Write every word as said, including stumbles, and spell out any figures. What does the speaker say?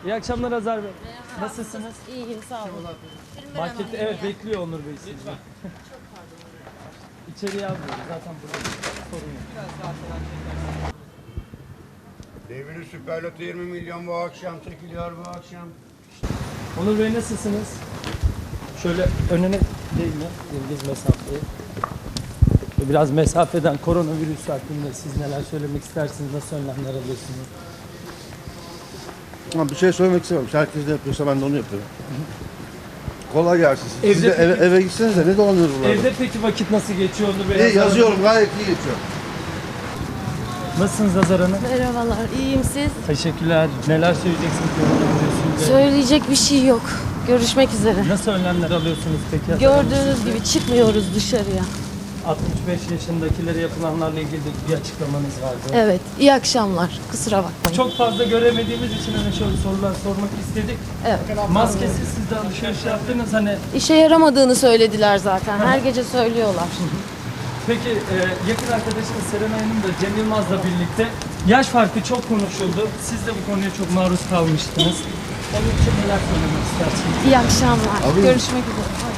İyi akşamlar Azar Bey. Nasılsınız? İyiyim, sağ olun. Markette evet bekliyor Onur Bey sizi. İçeriye almıyoruz zaten burada sorun yok. Deviri Süperloto yirmi milyon bu akşam çekiliyor bu akşam. Onur Bey nasılsınız? Şöyle önüne değil mi? Yıldız mesafeyi. Biraz mesafeden koronavirüs hakkında siz neler söylemek istersiniz? Nasıl önlemler alıyorsunuz? Ama bir şey söylemek istemem. Herkes de yapıyorsa ben de onu yapıyorum. Kolay gelsin. Siz Evde de eve, peki- eve gitseniz de ne dolanıyoruz burada? Evde peki vakit nasıl geçiyor Onur Bey? İyi, yazıyorum, gayet iyi geçiyor. Nasılsınız Azar Hanım? Merhabalar, iyiyim siz? Teşekkürler. Neler söyleyeceksiniz koronavirüsünde? Söyleyecek bir şey yok. Görüşmek üzere. Nasıl önlemler alıyorsunuz peki? Azar Hanım? Gördüğünüz gibi çıkmıyoruz dışarıya. altmış beş yaşındakilere yapılanlarla ilgili de bir açıklamanız vardı. Evet, iyi akşamlar. Kusura bakmayın. Çok fazla göremediğimiz için hani şöyle sorular sormak istedik. Evet. Maskesiz siz de alışveriş yaptınız hani. İşe yaramadığını söylediler zaten. Her gece söylüyorlar. Peki e, yakın arkadaşınız Serenay Hanım da Cem Yılmaz'la birlikte yaş farkı çok konuşuldu. Siz de bu konuya çok maruz kalmıştınız. Onun için neler söylemek istersiniz? İyi akşamlar. Abi- Görüşmek üzere.